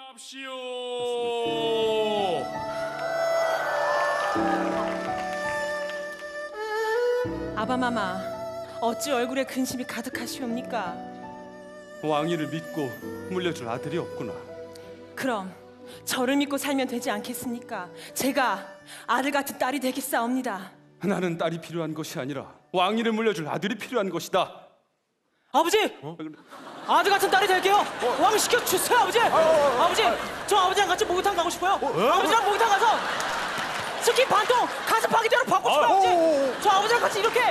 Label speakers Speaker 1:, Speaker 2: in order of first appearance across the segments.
Speaker 1: 합시오.
Speaker 2: 아바마마, 어찌 얼굴에 근심이 가득하시옵니까?
Speaker 3: 왕위를 믿고 물려줄 아들이 없구나.
Speaker 2: 그럼 저를 믿고 살면 되지 않겠습니까? 제가 아들 같은 딸이 되겠사옵니다.
Speaker 3: 나는 딸이 필요한 것이 아니라 왕위를 물려줄 아들이 필요한 것이다.
Speaker 2: 아버지! 아들 같은 딸이 될게요. 왕 시켜 주세요, 아버지. 아버지, 저 아버지랑 같이 목욕탕 가고 싶어요. 아버지랑 목욕탕 가서 스키 반통 가슴 파기대로 받고 싶어요, 아버지. 저 아버지랑 같이 이렇게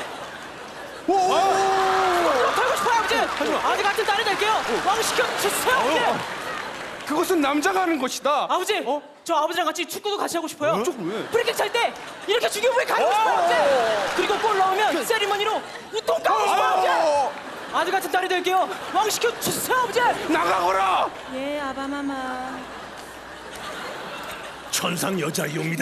Speaker 2: 털고 싶어요, 아버지. 아들 같은 딸이 될게요. 왕 시켜 주세요, 아버지.
Speaker 3: 그것은 남자가 하는 것이다.
Speaker 2: 아버지, 저 아버지랑 같이 축구도 같이 하고 싶어요.
Speaker 3: 왜?
Speaker 2: 프리킥 찰 때 이렇게 중요부에 가고 싶어요, 아버지. 그리고 골 넣으면 세리머니로 우통 까고 싶어요, 아버지. 아들 같은 딸이 될게요. 왕 시켜 주세요, 아버지.
Speaker 3: 나가거라.
Speaker 2: 예, 아바마마.
Speaker 1: 천상 여자이옵니다.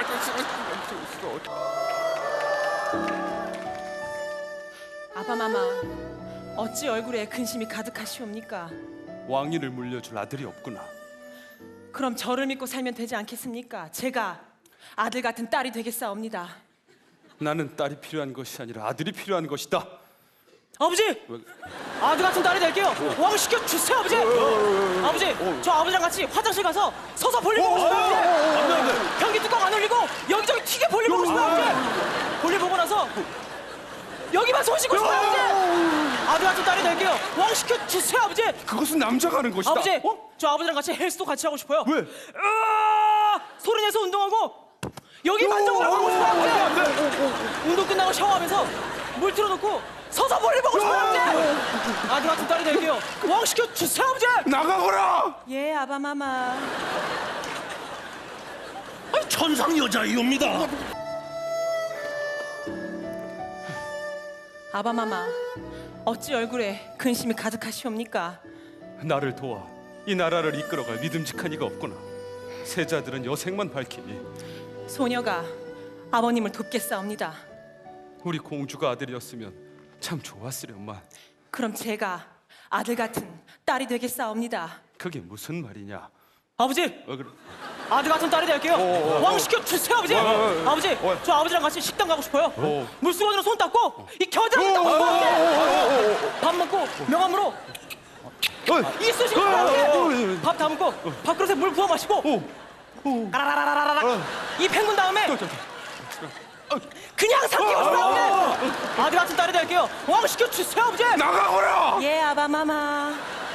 Speaker 2: 아바마마, 어찌 얼굴에 근심이 가득하시옵니까?
Speaker 3: 왕위를 물려줄 아들이 없구나.
Speaker 2: 그럼 저를 믿고 살면 되지 않겠습니까? 제가 아들 같은 딸이 되겠사옵니다.
Speaker 3: 나는 딸이 필요한 것이 아니라 아들이 필요한 것이다.
Speaker 2: 아버지! 아들 같은 딸이 될게요. 왕 시켜 주세요, 아버지. 아버지, 저 아버지랑 같이 화장실 가서 서서 볼일 보고 싶어요, 아버지. 변기 뚜껑 안 올리고 여기저기 튀게 볼일 보고 싶어요, 아버지. 볼일 보고 나서 여기만 손 씻고 싶어요, 아버지. 아들 같은 딸이 될게요. 왕 시켜 주세요, 아버지.
Speaker 3: 그것은 남자가 하는 것이다.
Speaker 2: 아버지, 저 아버지랑 같이 헬스도 같이 하고 싶어요.
Speaker 3: 왜?
Speaker 2: 소리 내서 운동하고 여기 만져보라고 하고 싶어요, 아버지. 운동 끝나고 샤워하면서 물 틀어놓고 서서 볼일 보고 싶어요, 아버지. 아들 같은 딸이 될게요. 왕 시켜 주세요, 아버지.
Speaker 3: 나가거라.
Speaker 2: 예, 아바마마.
Speaker 1: 천상 여자이옵니다.
Speaker 2: 아바마마, 어찌 얼굴에 근심이 가득하시옵니까?
Speaker 3: 나를 도와 이 나라를 이끌어갈 믿음직한 이가 없구나. 세자들은 여색만 밝히니
Speaker 2: 소녀가 아버님을 돕겠사옵니다.
Speaker 3: 우리 공주가 아들이었으면 참 좋았으련만.
Speaker 2: 그럼 제가 아들 같은 딸이 되겠사옵니다.
Speaker 3: 그게 무슨 말이냐?
Speaker 2: 아버지,
Speaker 3: 왜 그래?
Speaker 2: 아들 같은 딸이 될게요. 왕 시켜 주세요, 아버지. 아버지, 저 아버지랑 같이 식당 가고 싶어요. 물수건으로 손 닦고 이 겨드랑이 닦고 싶어요, 아버지. 밥 먹고 명함으로 이 쓰시고 싶어요, 아버지. 밥 다 먹고 밥그릇에 물 부어 마시고 까라라라라라 이 헹군 다음에 그냥 삼키고 싶어요, 아버지. 아들 같은 딸이 될게요. 왕 시켜 주세요, 아버지.
Speaker 3: 나가거라.
Speaker 2: 예, 아바마마.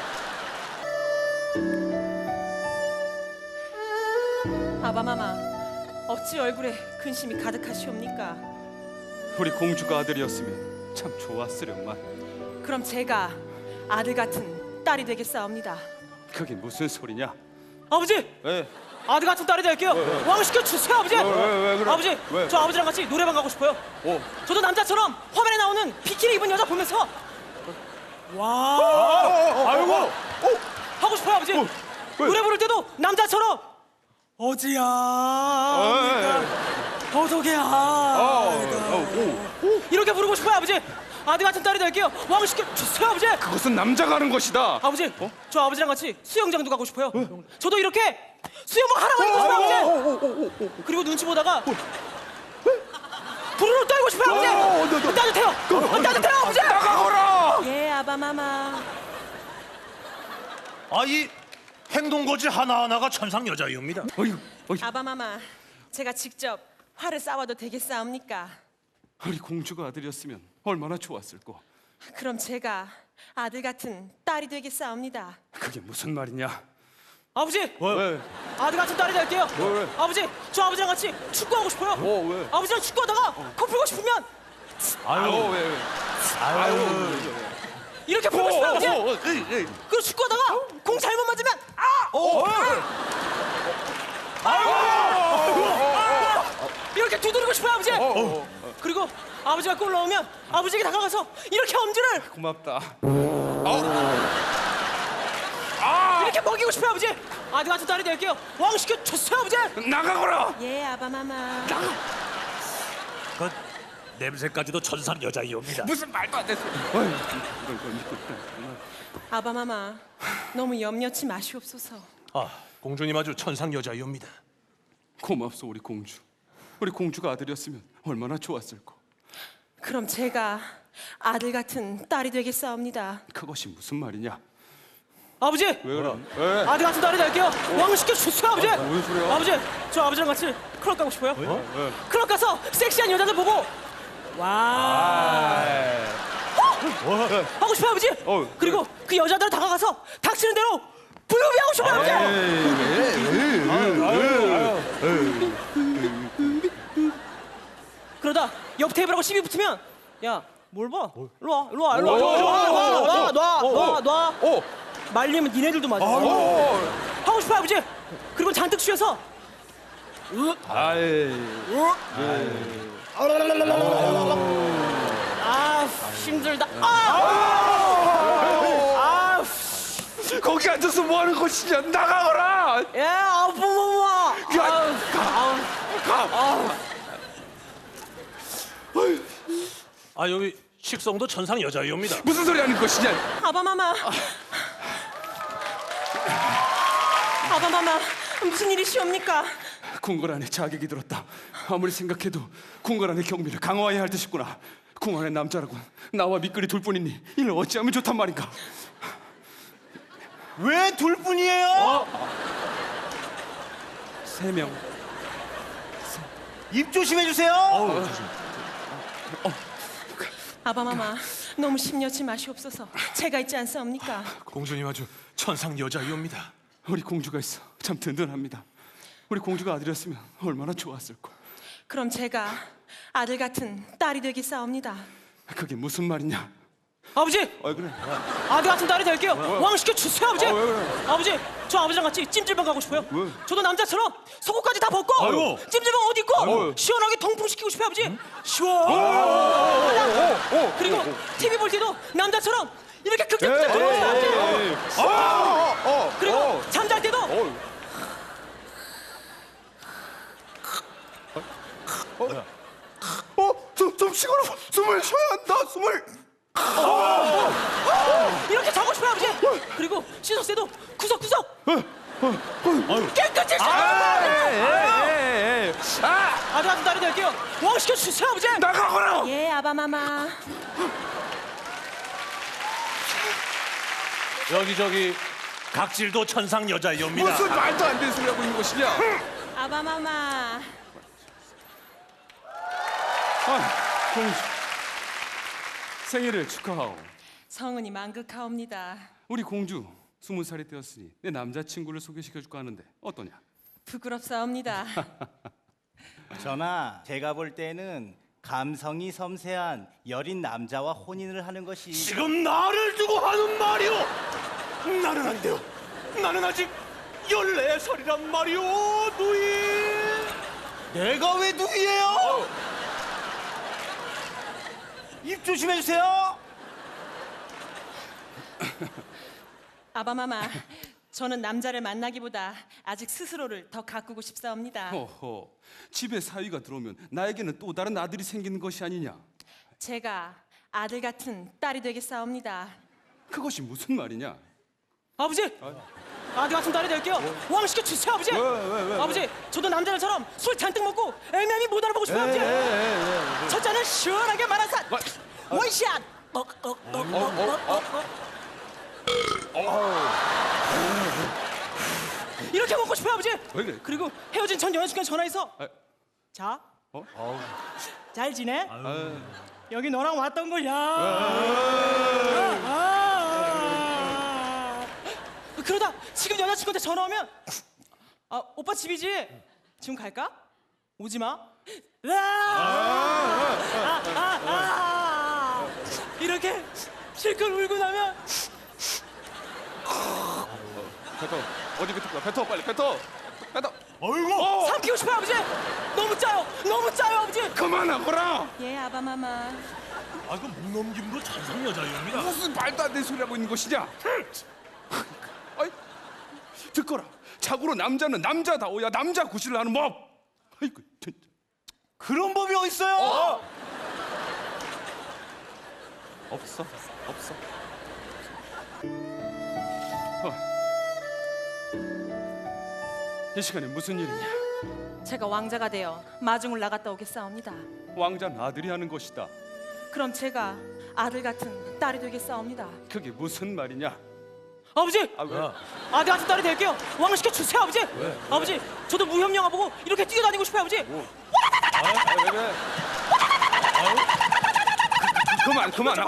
Speaker 2: 아바마마, 어찌 얼굴에 근심이 가득하시옵니까?
Speaker 3: 우리 공주가 아들이었으면 참 좋았으련만.
Speaker 2: 그럼 제가 아들 같은 딸이 되겠사옵니다.
Speaker 3: 그게 무슨 소리냐?
Speaker 2: 아버지,
Speaker 3: 왜?
Speaker 2: 아들 같은 딸이 될게요. 왕 시켜 주세요, 아버지.
Speaker 3: 왜 그래?
Speaker 2: 아버지,
Speaker 3: 왜?
Speaker 2: 저 아버지랑 같이 노래방 가고 싶어요. 저도 남자처럼 화면에 나오는 비키니 입은 여자 보면서 와
Speaker 3: 아이고.
Speaker 2: 하고 싶어요, 아버지.
Speaker 3: 왜?
Speaker 2: 노래 부를 때도 남자처럼 어지야 어서게야 이렇게 부르고 싶어요, 아버지. 아들 같은 딸이 될게요. 왕 시켜 주세요, 아버지.
Speaker 3: 그것은 남자가 하는 것이다.
Speaker 2: 아버지, 저 아버지랑 같이 수영장도 가고 싶어요. 저도 이렇게 수영복 하나만 입고 싶어요, 아버지. 그리고 눈치 보다가 부르르 떨고 싶어요, 아버지. 따뜻해요. 따뜻해요, 아버지.
Speaker 3: 나가거라.
Speaker 2: 예, 아바마마.
Speaker 1: 이 행동거지 하나하나가 천상 여자이옵니다.
Speaker 2: 아바마마, 제가 직접 화를 싸워도 되겠사옵니까?
Speaker 3: 우리 공주가 아들이었으면 얼마나 좋았을꼬.
Speaker 2: 그럼 제가 아들 같은 딸이 되겠사옵니다.
Speaker 3: 그게 무슨 말이냐?
Speaker 2: 아버지,
Speaker 3: 왜?
Speaker 2: 아들 같은 딸이 될게요.
Speaker 3: 왜?
Speaker 2: 아버지, 저 아버지랑 같이 축구하고 싶어요.
Speaker 3: 왜?
Speaker 2: 아버지랑 축구하다가 코 풀고 싶으면
Speaker 3: 아유 왜? 아유.
Speaker 2: 이렇게 풀고 싶어요, 아버지. 그리고 축구하다가 공 잘못 맞으면 이렇게 두드리고 싶어요, 아버지. 그리고 아버지가 골 넣으면 아버지에게 다가가서 이렇게 엄지를
Speaker 3: 고맙다.
Speaker 2: 이렇게 먹이고 싶어요, 아버지. 아들 같은 딸이 될게요. 왕 시켜 주세요, 아버지.
Speaker 3: 나가거라.
Speaker 2: 예, 아바마마.
Speaker 1: 그 냄새까지도 천상 여자이옵니다.
Speaker 3: 무슨 말도 안 되는 소리. 이걸 믿고 있다.
Speaker 2: 아바마마, 너무 염려치 마시옵소서.
Speaker 1: 아, 공주님 아주 천상 여자이옵니다.
Speaker 3: 고맙소 우리 공주. 우리 공주가 아들이었으면 얼마나 좋았을까.
Speaker 2: 그럼 제가 아들 같은 딸이 되겠사옵니다.
Speaker 3: 그것이 무슨 말이냐?
Speaker 2: 아버지,
Speaker 3: 왜 그래? 왜?
Speaker 2: 아들 같은 딸이 될게요. 왕을 시켜 주세요, 아버지.
Speaker 3: 뭔 소리야?
Speaker 2: 아버지, 저 아버지랑 같이 클럽 가고 싶어요. 클럽 가서 섹시한 여자들 보고 와. 하고 싶어요, 아버지. 그리고 그 여자들 다가가서 닥치는 대로 부유비 하고 싶어요, 아버지. 그러다 옆 테이블하고 시비 붙으면 야, 뭘 봐? 일로 와, 일로 와, 일로 와, 놔. 말리면 니네들도 맞아. 하고 싶어 아버지. 그리고 잔뜩 쉬어서 아 힘들다.
Speaker 3: 거기 앉아서 뭐 하는 것이냐? 나가거라.
Speaker 2: 예, 아부모마.
Speaker 1: 아, 여기 식성도 천상 여자이옵니다.
Speaker 3: 무슨 소리 하는 것이냐?
Speaker 2: 아바마마. 아바마마 무슨 일이시옵니까?
Speaker 3: 궁궐 안에 자객이 들었다. 아무리 생각해도 궁궐 안의 경비를 강화해야 할 듯이구나. 궁궐의 남자라곤 나와 미끌이 둘뿐이니 이를 어찌하면 좋단 말인가?
Speaker 4: 왜 둘뿐이에요?
Speaker 3: 3명.
Speaker 4: 입 조심해 주세요.
Speaker 2: 아바마마 너무 심려치 마시옵소서. 제가 있지 않사옵니까?
Speaker 1: 공주님 아주 천상 여자이옵니다.
Speaker 3: 우리 공주가 있어 참 든든합니다. 우리 공주가 아들이었으면 얼마나 좋았을까.
Speaker 2: 그럼 제가 아들 같은 딸이 되겠사옵니다.
Speaker 3: 그게 무슨 말이냐?
Speaker 2: 아버지,
Speaker 3: 그래.
Speaker 2: 아들 같은 딸이 될게요. 왕 시켜 주세요, 아버지.
Speaker 3: 왜 그래?
Speaker 2: 아버지, 저 아버지랑 같이 찜질방 가고 싶어요.
Speaker 3: 왜?
Speaker 2: 저도 남자처럼 속옷까지 다 벗고
Speaker 1: 아이고.
Speaker 2: 찜질방 옷 입고
Speaker 3: 아이고.
Speaker 2: 시원하게 통풍 시키고 싶어요, 아버지. 시원. 그리고 TV 볼 때도 남자처럼 이렇게 극적극적 돌고 싶어요, 아버지. 그리고 잠잘 때도
Speaker 3: 좀 쉬거라. 숨을 쉬어야 한다. 숨을.
Speaker 2: 이렇게 자고 싶어요, 아버지. 그리고 씻었을 때도 구석구석 깨끗이 샤워하고 싶어요. 아들 같은 딸이 될게요. 왕 시켜 주세요, 아버지.
Speaker 3: 나가거라.
Speaker 2: 예, 아바마마.
Speaker 1: 여기저기 각질도 천상 여자이옵니다.
Speaker 3: 무슨 말도 안 되는 소리 하고 있는 것이냐?
Speaker 2: 아바마마.
Speaker 3: 공주. 생일을 축하하오.
Speaker 2: 성은이 만극하옵니다.
Speaker 3: 우리 공주 20살이 되었으니 내 남자친구를 소개시켜줄까 하는데 어떠냐?
Speaker 2: 부끄럽사옵니다.
Speaker 4: 전하, 제가 볼 때는 감성이 섬세한 여린 남자와 혼인을 하는 것이
Speaker 1: 지금 나를 두고 하는 말이오. 나는 안 돼요. 나는 아직 14살이란 말이오, 누이.
Speaker 4: 내가 왜 누이예요? 입 조심해 주세요.
Speaker 2: 아바마마, 저는 남자를 만나기보다 아직 스스로를 더 가꾸고 싶사옵니다.
Speaker 3: 허허. 집에 사위가 들어오면 나에게는 또 다른 아들이 생기는 것이 아니냐?
Speaker 2: 제가 아들 같은 딸이 되겠사옵니다.
Speaker 3: 그것이 무슨 말이냐?
Speaker 2: 아버지, 아들 같은 딸이 될게요. 왕 시켜 주세요, 아버지.
Speaker 3: 왜?
Speaker 2: 아버지, 저도 남자들처럼 술 잔뜩 먹고 애매함이 못 알아보고 싶어요, 아버지. 첫 잔은 시원하게 말아서 원샷. 이렇게 먹고 싶어요, 아버지.
Speaker 3: 왜 그래?
Speaker 2: 그리고 헤어진 전 여자친구한테 전화해서
Speaker 3: 아.
Speaker 2: 자, 잘 지내? 여기 너랑 왔던 거야. 그러다 지금 여자친구한테 전화 오면 오빠 집이지? 지금 갈까? 오지 마. 이렇게 실컷 울고 나면
Speaker 3: 뱉어. 어디 뱉을 거야? 뱉어 빨리 뱉어.
Speaker 1: 어이구.
Speaker 2: 삼키고 싶어요, 아버지. 너무 짜요, 너무 짜요, 아버지.
Speaker 3: 그만하거라.
Speaker 2: 예, 아바마마.
Speaker 1: 아, 그 무넘김도 천상 여자이옵니다.
Speaker 3: 무슨 말도 안 되는 소리 하고 있는 것이냐? 아이, 듣거라. 자고로 남자는 남자다워야 남자 구실을 하는 법. 아이고, 진짜.
Speaker 4: 그런 법이 어딨어요?
Speaker 3: 없어. 이 시간에 무슨 일이냐?
Speaker 2: 제가 왕자가 되어 마중을 나갔다 오겠사옵니다.
Speaker 3: 왕자는 아들이 하는 것이다.
Speaker 2: 그럼 제가 아들 같은 딸이 되겠사옵니다.
Speaker 3: 그게 무슨 말이냐?
Speaker 2: 아버지!
Speaker 3: 아 왜?
Speaker 2: 아들 같은 딸이 될게요. 왕 시켜 주세요, 아버지. 아버지, 저도 무협 영화 보고 이렇게 뛰어다니고 싶어요, 아버지.
Speaker 3: 왜? 그만.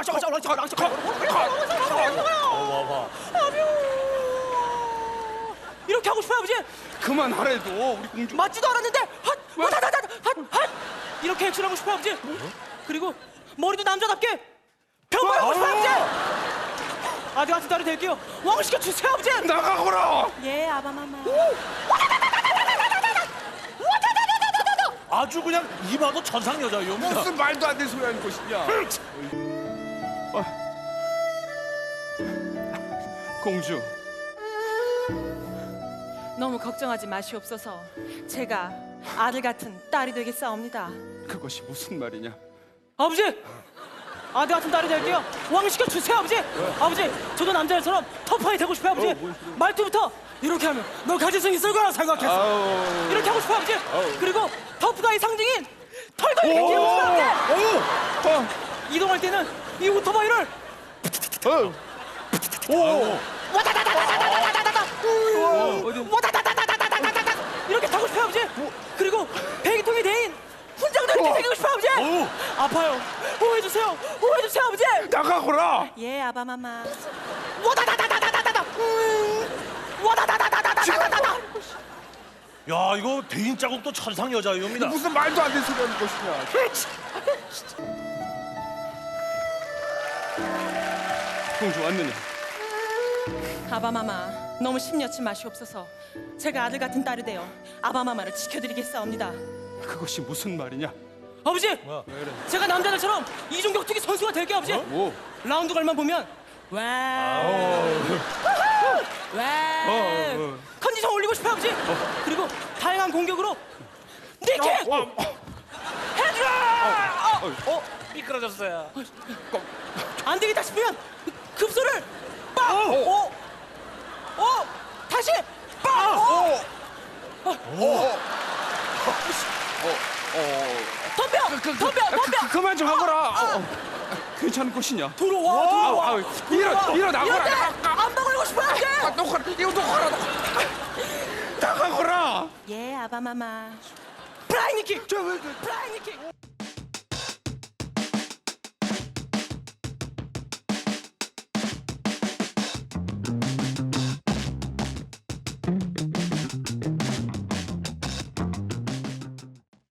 Speaker 2: 이렇게 하고 싶어요, 아버지.
Speaker 3: 그만하래도 우리 공주.
Speaker 2: 맞지도 않았는데 핫 이렇게 액션하고 싶어요, 아버지. 그리고 머리도 남자답게 평범하고 싶어요, 아버지. 아들 같은 딸이 될게요. 왕 시켜 주세요, 아버지.
Speaker 3: 나가거라.
Speaker 2: 예, 아바마마.
Speaker 1: 아주 그냥 이봐도 천상 여자입니다.
Speaker 3: 무슨 말도 안 되는 소리 하는 것이냐? 공주.
Speaker 2: 너무 걱정하지 마시옵소서. 제가 아들 같은 딸이 되겠사옵니다.
Speaker 3: 그것이 무슨 말이냐?
Speaker 2: 아버지! 아들 같은 딸이 될게요. 왕 시켜 주세요, 아버지. 아버지, 저도 남자처럼 터프하게 되고 싶어요, 아버지. 말투부터 이렇게 하면 너 가지성이 있을 거라 생각했어. 이렇게 하고 싶어요, 아버지. 그리고 터프가의 상징인 털도 이렇게 끼우고 싶어요, 아버지. 이동할 때는 이 오토바이를 와다다다다다다다다다다다 이렇게 타고 싶어요, 아버지. 그리고 배기통에 대인 훈장도 이렇게 생기고 싶어요, 아버지. 아파요. 보호해주세요, 아버지.
Speaker 3: 나가거라.
Speaker 2: 예, 아바마마. 와다다다다다다다다. 와다다다다다다다다.
Speaker 1: 야, 이거 대인 자국도 천상 여자입니다.
Speaker 3: 무슨 말도 안 되는 소리 하는 것이냐? 공주 왔느냐?
Speaker 2: 아바마마, 너무 심려치 마시옵소서. 제가 아들 같은 딸이 되어 아바마마를 지켜드리겠사옵니다.
Speaker 3: 그것이 무슨 말이냐?
Speaker 2: 아버지, 제가 남자들처럼 이중격투기 선수가 될게요, 아버지.
Speaker 3: 뭐?
Speaker 2: 라운드 갈만 보면 와 컨디션 올리고 싶어요, 아버지. 그리고 다양한 공격으로 니킥 헤드라
Speaker 1: 미끄러졌어요.
Speaker 2: 안 되겠다 싶으면 급소를 다시 덤벼
Speaker 3: 그만 좀 하거라. 괜찮은 것이냐?
Speaker 2: 들어와
Speaker 3: 일어나거라.
Speaker 2: 안 박으려고 싶어요, 아버지.
Speaker 3: 이거 놓거라. 나가거라.
Speaker 2: 예, 아바마마. 플라잉 니킥. 플라잉 니킥.